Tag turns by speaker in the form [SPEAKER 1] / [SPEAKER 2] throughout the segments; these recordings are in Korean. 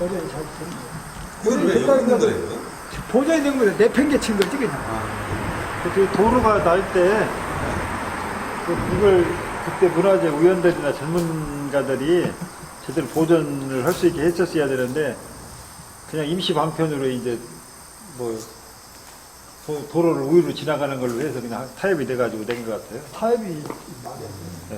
[SPEAKER 1] 보존이 잘 되는 거예요.
[SPEAKER 2] 이건 왜 여기 있는 거예요?
[SPEAKER 1] 보존이 된 거예요. 내팽개친 거지, 그냥.
[SPEAKER 3] 그 도로가 날 때, 이걸 그때 문화재 위원들이나 전문가들이 제대로 보존을 할 수 있게 했었어야 되는데, 그냥 임시 방편으로 이제, 뭐, 도로를 우회로 지나가는 걸로 해서 그냥 타협이 돼가지고 된 것 같아요.
[SPEAKER 1] 타협이
[SPEAKER 3] 네.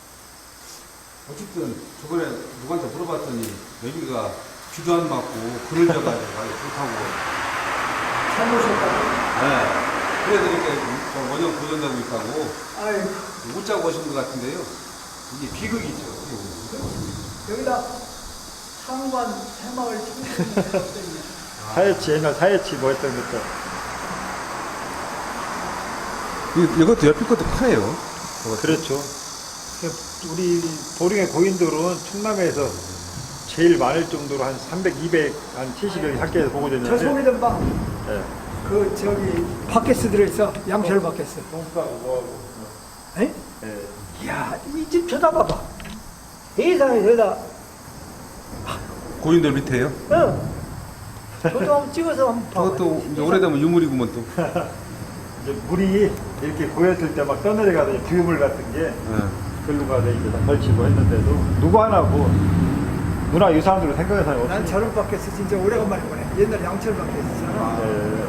[SPEAKER 2] 어쨌든 저번에 누구한테 물어봤더니 여기가 비도 안 맞고 그늘져가지고 아주 좋다고.
[SPEAKER 1] 잘못했다고.
[SPEAKER 2] 네. 그래서 이렇게 원형 보존되고 있다고
[SPEAKER 1] 아이,
[SPEAKER 2] 못 자고 오신 것 같은데요. 이게 비극이죠.
[SPEAKER 1] 여기다 상관 새마을 청소년
[SPEAKER 3] 사회치, 옛날 사회치 뭐 했던 것도.
[SPEAKER 2] 이것도 옆에 것도 커요.
[SPEAKER 3] 그렇죠. 우리 보령의 고인돌은 충남에서 제일 많을 정도로 한 300, 200, 한 70여기 학교에서 보고
[SPEAKER 1] 저
[SPEAKER 3] 됐는데.
[SPEAKER 1] 소리던 방,
[SPEAKER 3] 네.
[SPEAKER 1] 그, 저기, 바켓스 들어있어. 양철 바켓스.
[SPEAKER 3] 똥싸고 뭐하고.
[SPEAKER 1] 에?
[SPEAKER 3] 네.
[SPEAKER 1] 이야, 이 집 쳐다봐봐. 세상에, 여기다,
[SPEAKER 2] 고인돌 밑에요?
[SPEAKER 1] 저도 한번 찍어서 한번 봐.
[SPEAKER 2] 저것도 이제 오래되면 유물이구먼 또.
[SPEAKER 3] 이제 물이 이렇게 고였을 때 막 떠내려가서 뷰물 같은 게 글로 가서 이제 다 걸치고 했는데도 누구 하나고 문화유산으로 생각하는 사람이
[SPEAKER 1] 난
[SPEAKER 3] 없으니까.
[SPEAKER 1] 저런 바켓스 진짜 오래간만에 보네. 옛날에 양철 바켓스잖아.
[SPEAKER 3] 네.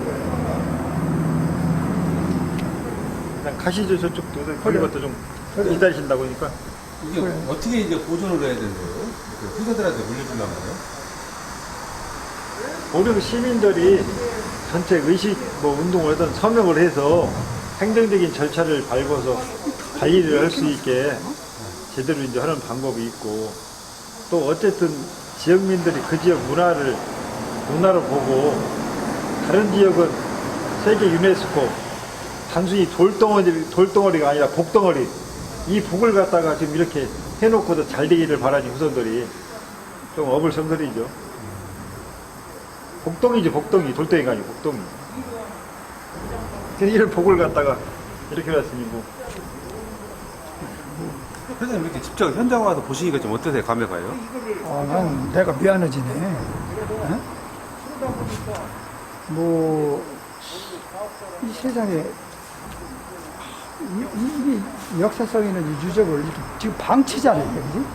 [SPEAKER 3] 그냥 가시죠, 저쪽도.
[SPEAKER 1] 그래.
[SPEAKER 3] 그런 것도 좀
[SPEAKER 1] 그래.
[SPEAKER 3] 기다리신다고 하니까.
[SPEAKER 2] 이게
[SPEAKER 1] 그래.
[SPEAKER 2] 어떻게 이제 보존을 해야 되는 거예요? 그 후세들한테 물려주려면 요
[SPEAKER 3] 보령 시민들이 전체 의식 뭐 운동을 하든 서명을 해서 행정적인 절차를 밟아서 관리를 할 수 있게 제대로 이제 하는 방법이 있고, 또 어쨌든 지역민들이 그 지역 문화로 보고 다른 지역은 세계 유네스코 단순히 돌덩어리가 아니라 복덩어리, 이 복을 갖다가 지금 이렇게 해놓고도 잘 되기를 바라니 후손들이 좀 어불성설이죠. 복덩이지, 복덩이. 돌덩이가 아니고 복덩이. 그래서 이런 복을 갖다가 이렇게 놨으니 뭐.
[SPEAKER 2] 선생님 이렇게 직접 현장 와서 보시니까 좀 어떠세요? 감회가요?
[SPEAKER 1] 난 내가 미안해지네. 어? 뭐, 이 세상에, 이 역사성 있는 이 유적을 이렇게 지금 방치잖아요, 그지?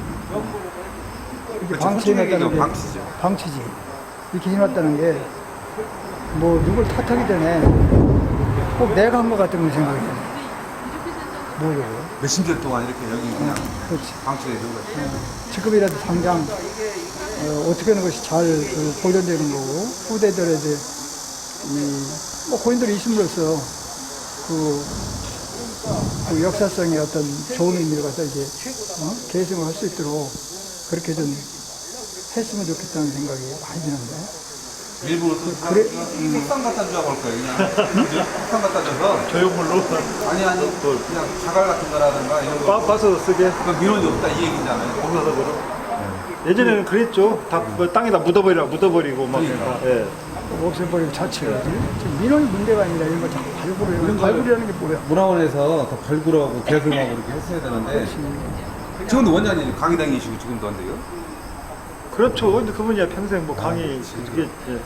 [SPEAKER 1] 이렇게
[SPEAKER 2] 그렇죠.
[SPEAKER 1] 방치해놨다는 게,
[SPEAKER 2] 방치죠.
[SPEAKER 1] 방치지. 이렇게 해놨다는 게, 뭐, 누굴 탓하기 전에 꼭 내가 한 것 같은 걸 생각이 돼. 뭐요?
[SPEAKER 2] 몇십 년 동안 이렇게 여기 그냥
[SPEAKER 1] 그렇지.
[SPEAKER 2] 방치되어 있는 거죠.
[SPEAKER 1] 지금이라도 당장 어떻게 하는 것이 잘 보존되는 거고 후대들에게 뭐 고인들이 있음으로써 그 역사성의 어떤 좋은 의미를 갖다 이제 계승을 할 수 있도록 그렇게 좀 했으면 좋겠다는 생각이 많이 드는데.
[SPEAKER 2] 일부러 또 색상 갖다 주자고 할 거예요. 그냥 색상 갖다 줘서
[SPEAKER 3] 조형물로
[SPEAKER 2] 아니 그냥 자갈 같은 거라든가 이런 거
[SPEAKER 3] 빠서 쓰게.
[SPEAKER 2] 그 민원이 없다 이 얘기잖아요.
[SPEAKER 3] 공사석으로. 예전에는 그랬죠. 다 뭐 땅에다 묻어버리고 막.
[SPEAKER 2] 그러니까.
[SPEAKER 3] 예.
[SPEAKER 1] 없애버리고 자체가 지금 민원이 문제가 아니라 이런 거 자꾸 발굴해요. 이런 발굴이라는 게 뭐야?
[SPEAKER 2] 문화원에서 더 발굴하고 개설하고 이렇게 했어야 되는데 지금도 원장님 강의당이시고 지금도 안 돼요?
[SPEAKER 3] 그렇죠. 근데 그분이야 평생 뭐 강의 그게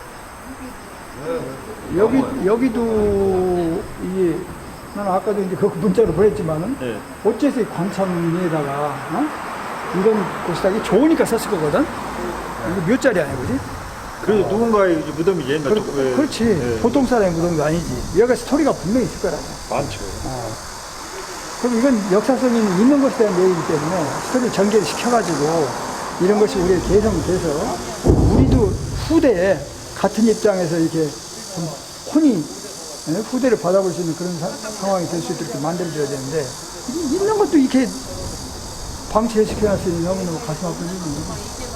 [SPEAKER 1] 여기도 이게 나는 아까도 이제 그 문자로 보냈지만은
[SPEAKER 3] 예.
[SPEAKER 1] 어째서 이 광창리에다가 이런 곳에다 이게 좋으니까 썼을 거거든. 이게 몇 자리 아니야, 그지?
[SPEAKER 3] 그래도 누군가의 이제 무덤이지 옛날 쪽.
[SPEAKER 1] 그렇지.
[SPEAKER 3] 예.
[SPEAKER 1] 보통 사람의 무덤도 아니지. 여기가 스토리가 분명히 있을 거라고.
[SPEAKER 3] 많죠.
[SPEAKER 1] 그럼 이건 역사성이 있는 것에 대한 얘기이기 때문에 스토리를 전개를 시켜가지고 이런 것이 우리의 개성돼서 우리도 후대에 같은 입장에서 이렇게 좀 혼이 후대를 받아볼 수 있는 그런 상황이 될 수 있도록 만들어줘야 되는데 있는 것도 이렇게 방치시켜놨으니 너무너무 가슴 아픈 일입니다.